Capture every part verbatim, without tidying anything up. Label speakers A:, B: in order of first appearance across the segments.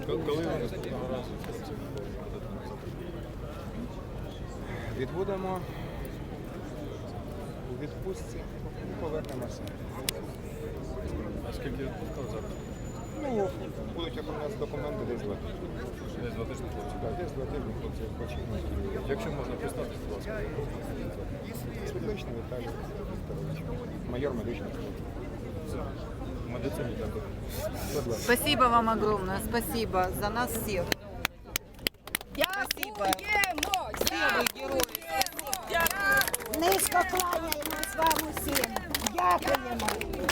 A: Коли ви наступного разу хлопці
B: Відбудемо у відпустці, повернемося.
A: А скільки відпускав зараз?
B: Ну, будуть оформляти документи десь два тижні.
A: Десь два тижні хлопці.
B: Так, десь два тижні хлопці відпочинуть.
A: Якщо можна представити, будь ласка.
B: Світличний Віталій Вікторович, майор медичної служби.
A: Все. В медицині також.
B: Будь ласка.
C: Спасибо вам огромное, спасибо за нас всех. Спасибо. Все вы герои.
D: Низько кланяємось вам усім. Дякуємо.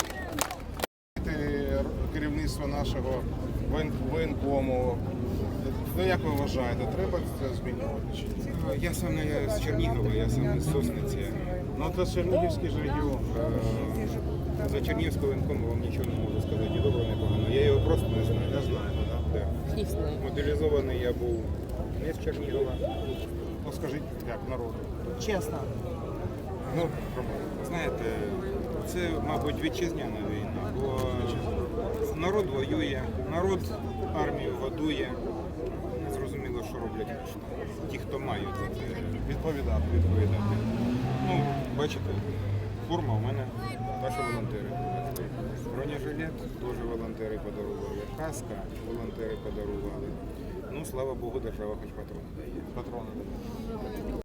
E: Керівництво нашого воєн- воєнкому. Ну, як ви вважаєте, треба це змінювати? чи ні?
B: Я сам не з Чернігова, я сам з Сосниці.
E: Ну, це Чернігівський ж регіон.
B: Е, За Чернігівського воєнкому вам нічого не можу сказати, ні добре, ні погано. Я його просто не знаю.
E: Не знаєте, так?
B: Так. Мобілізований я був не з Чернігова.
E: Ну, скажіть, як народу.
D: Чесно.
B: Ну, знаєте, це, мабуть, вітчизняна війна, бо народ воює, народ армію годує. Не зрозуміло, що роблять ті, хто мають за це
E: Відповідати.
B: відповідати. Ну, бачите, форма у мене, ваші волонтери. Бронежилет теж волонтери подарували, каска волонтери подарували. Ну, слава Богу, держава хоч патрони дає.
E: Патрони.